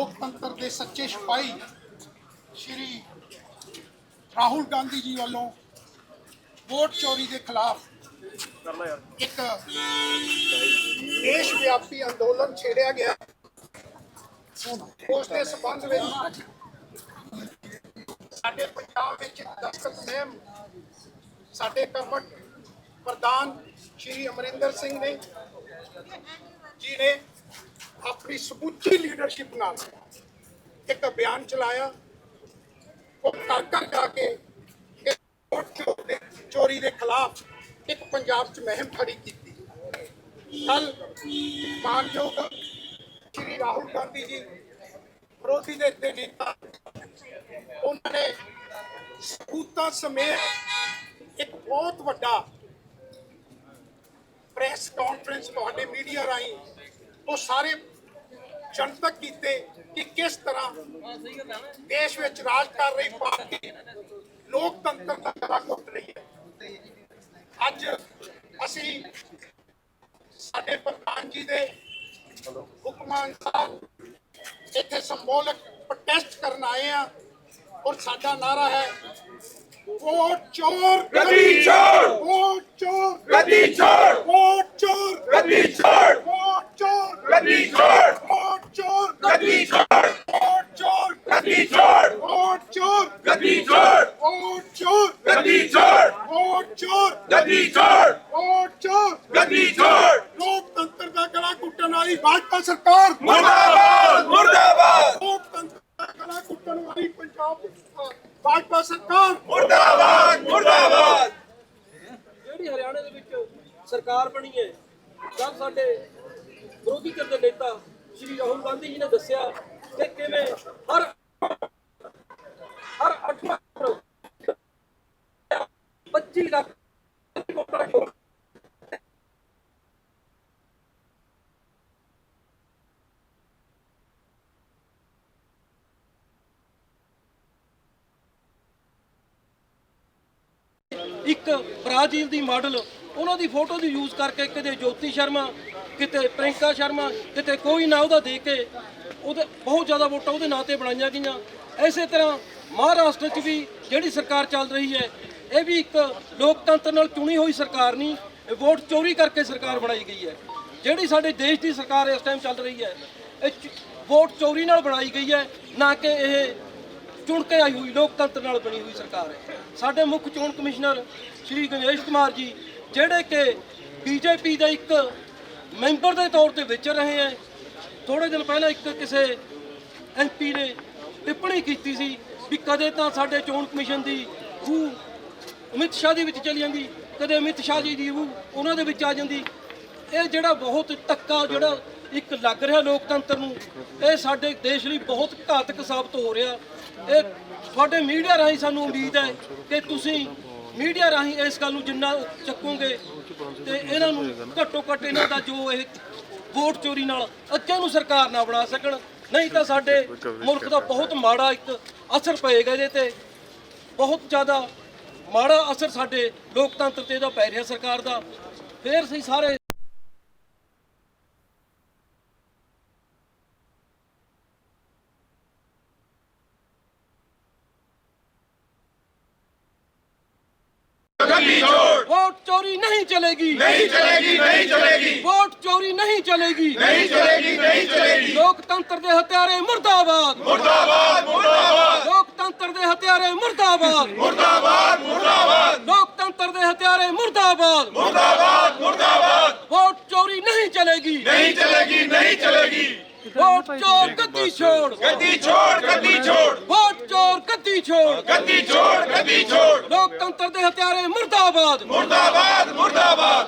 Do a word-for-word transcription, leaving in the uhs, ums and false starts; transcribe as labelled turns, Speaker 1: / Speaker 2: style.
Speaker 1: लोकतंत्र के सच्चे सिपाही श्री राहुल गांधी जी वालों वोट चोरी के खिलाफ एक देश व्यापी अंदोलन छेड़िया गया। उसके संबंध में साडे पंजाब विच दस्तखत महम साडे कर्मठ प्रधान श्री अमरिंदर सिंह ने जी ने अपनी समूची लीडरशिप नाल एक अभियान चलाया। वो घर घर जाके वोट चोरी के खिलाफ एक पंजाब च मुहिम खड़ी की। कल मानयोग श्री राहुल गांधी जी विरोधी दे दे नेता उन्होंने सबूतां समेत एक बहुत बड़ा प्रेस कॉन्फ्रेंस तुहाडे मीडिया राही वो सारे जनतक कीते कि किस तरह देश में राज कर रही पार्टी लोकतंत्र का गला घुट रही है। अज असी साडे प्रधान जी दे हुक्मां अनुसार इत्थे संबोधक प्रोटेस्ट करन आए हैं और साडा नारा है वोट चोर
Speaker 2: गद्दी चोर,
Speaker 1: वोट चोर
Speaker 2: गद्दी चोर,
Speaker 1: वोट चोर
Speaker 2: गद्दी चोर,
Speaker 1: वोट चोर
Speaker 2: गद्दी चोर,
Speaker 1: वोट चोर
Speaker 2: गद्दी चोर,
Speaker 1: वोट चोर
Speaker 2: गद्दी चोर,
Speaker 1: वोट चोर
Speaker 2: गद्दी चोर,
Speaker 1: वोट चोर
Speaker 2: गद्दी चोर,
Speaker 1: वोट चोर
Speaker 2: गद्दी चोर,
Speaker 1: वोट चोर
Speaker 2: गद्दी चोर।
Speaker 1: लोकतंत्र का गला घुटन वाली भाजपा सरकार
Speaker 2: मुर्दाबाद, मुर्दाबाद,
Speaker 1: लोकतंत्र का गला घुटन वाली पंजाब भाजपा सरकार
Speaker 2: मुर्दाबाद, मुर्दाबाद।
Speaker 3: ਜਿਹੜੀ ਹਰਿਆਣੇ ਦੇ ਵਿੱਚ ਸਰਕਾਰ ਬਣੀ ਹੈ ਜਦ ਸਾਡੇ ਵਿਰੋਧੀ ਧਿਰ ਦੇ ਨੇਤਾ ਸ਼੍ਰੀ ਰਾਹੁਲ ਗਾਂਧੀ ਜੀ ਨੇ ਦੱਸਿਆ ਕਿ ਕਿਵੇਂ ਹਰ ਹਰ ਅੱਠ ਪੱਚੀ ਲੱਖ ਵੋਟਾਂ ਚੋਂ ਇੱਕ ਬ੍ਰਾਜ਼ੀਲ ਦੀ ਮਾਡਲ ਉਹਨਾਂ ਦੀ ਫੋਟੋ ਦੀ ਯੂਜ਼ ਕਰਕੇ ਕਿਤੇ ਜੋਤੀ ਸ਼ਰਮਾ ਕਿਤੇ ਪ੍ਰਿੰਕਾ ਸ਼ਰਮਾ ਕਿਤੇ ਕੋਈ ਨਾ ਉਹਦਾ ਦੇ ਕੇ ਉਹਦੇ ਬਹੁਤ ਜ਼ਿਆਦਾ ਵੋਟਾਂ ਉਹਦੇ ਨਾਂ ਤੇ ਬਣਾਈਆਂ ਗਈਆਂ। ਇਸੇ ਤਰ੍ਹਾਂ ਮਹਾਰਾਸ਼ਟਰ 'ਚ ਵੀ ਜਿਹੜੀ ਸਰਕਾਰ ਚੱਲ ਰਹੀ ਹੈ ਇਹ ਵੀ ਇੱਕ ਲੋਕਤੰਤਰ ਨਾਲ ਚੁਣੀ ਹੋਈ ਸਰਕਾਰ ਨਹੀਂ, ਇਹ ਵੋਟ ਚੋਰੀ ਕਰਕੇ ਸਰਕਾਰ ਬਣਾਈ ਗਈ ਹੈ। ਜਿਹੜੀ ਸਾਡੇ ਦੇਸ਼ ਦੀ ਸਰਕਾਰ ਇਸ ਟਾਈਮ ਚੱਲ ਰਹੀ ਹੈ ਇਹ ਵੋਟ ਚੋਰੀ ਨਾਲ ਬਣਾਈ ਗਈ ਹੈ, ਨਾ ਕਿ ਇਹ ਚੁਣ ਕੇ ਆਈ ਹੋਈ ਲੋਕਤੰਤਰ ਨਾਲ ਬਣੀ ਹੋਈ ਸਰਕਾਰ ਹੈ। ਸਾਡੇ ਮੁੱਖ ਚੋਣ ਕਮਿਸ਼ਨਰ ਸ਼੍ਰੀ ਗਣੇਸ਼ ਕੁਮਾਰ ਜੀ ਜਿਹੜੇ ਕਿ ਬੀਜੇਪੀ ਦੇ ਇੱਕ ਮੈਂਬਰ ਦੇ ਤੌਰ ਤੇ ਵਿਚਰ ਰਹੇ ਹੈ, ਥੋੜੇ ਦਿਨ ਪਹਿਲਾਂ ਇੱਕ ਕਿਸੇ ਐਮਪੀ ਨੇ ਟਿੱਪਣੀ ਕੀਤੀ ਸੀ ਵੀ ਕਦੇ ਤਾਂ ਸਾਡੇ ਚੋਣ ਕਮਿਸ਼ਨ ਦੀ ਰੂਹ ਅਮਿਤ ਸ਼ਾਹ ਦੇ ਵਿੱਚ ਚਲੀ ਜਾਂਦੀ, ਕਦੇ ਅਮਿਤ ਸ਼ਾਹ ਜੀ ਦੀ ਰੂਹ ਉਹਨਾਂ ਦੇ ਵਿੱਚ ਆ ਜਾਂਦੀ। ਇਹ ਜਿਹੜਾ ਬਹੁਤ ਧੱਕਾ ਜਿਹੜਾ ਇੱਕ ਲੱਗ ਰਿਹਾ ਲੋਕਤੰਤਰ ਨੂੰ, ਇਹ ਸਾਡੇ ਦੇਸ਼ ਲਈ ਬਹੁਤ ਘਾਤਕ ਸਾਬਤ ਹੋ ਰਿਹਾ। ਇਹ ਤੁਹਾਡੇ ਮੀਡੀਆ ਰਾਹੀਂ ਸਾਨੂੰ ਉਮੀਦ ਹੈ ਕਿ ਤੁਸੀਂ ਮੀਡੀਆ ਰਾਹੀਂ ਇਸ ਗੱਲ ਨੂੰ ਜਿੰਨਾ ਚੱਕੋਗੇ ਤੇ ਇਹਨਾਂ ਨੂੰ ਘੱਟੋ ਘੱਟ ਇਹਨਾਂ ਦਾ ਜੋ ਇਹ ਵੋਟ ਚੋਰੀ ਨਾਲ ਅੱਗੇ ਨੂੰ ਸਰਕਾਰ ਨਾ ਬਣਾ ਸਕਣ, ਨਹੀਂ ਤਾਂ ਸਾਡੇ ਮੁਲਕ ਦਾ ਬਹੁਤ ਮਾੜਾ ਇੱਕ ਅਸਰ ਪਏਗਾ। ਇਹਦੇ ਤੇ ਬਹੁਤ ਜ਼ਿਆਦਾ ਮਾੜਾ ਅਸਰ ਸਾਡੇ ਲੋਕਤੰਤਰ ਤੇ ਇਹਦਾ ਪੈ ਰਿਹਾ ਸਰਕਾਰ ਦਾ। ਫੇਰ ਅਸੀਂ ਸਾਰੇ
Speaker 2: गद्दी चोर,
Speaker 3: वोट चोरी नहीं चलेगी,
Speaker 2: नहीं चलेगी, नहीं चलेगी,
Speaker 3: वोट चोरी नहीं चलेगी,
Speaker 2: नहीं चलेगी, नहीं चलेगी।
Speaker 3: लोकतंत्र दे हत्यारे मुर्दाबाद,
Speaker 2: मुर्दाबाद, मुर्दाबाद,
Speaker 3: लोकतंत्र दे हत्यारे मुर्दाबाद,
Speaker 2: मुर्दाबाद, मुर्दाबाद,
Speaker 3: लोकतंत्र दे हत्यारे मुर्दाबाद।
Speaker 2: मुर्दाबाद, मुर्दाबाद।
Speaker 3: वोट चोरी नहीं चलेगी,
Speaker 2: नहीं चलेगी, नहीं चलेगी।
Speaker 3: वोट चोर गद्दी छोड़,
Speaker 2: गद्दी छोड़, गद्दी छोड़,
Speaker 3: वोट चोर गद्दी छोड़,
Speaker 2: गद्दी छोड़, गद्दी छोड़।
Speaker 3: लोकतंत्र दे हत्यारे मुर्दाबाद,
Speaker 2: मुर्दाबाद, मुर्दाबाद।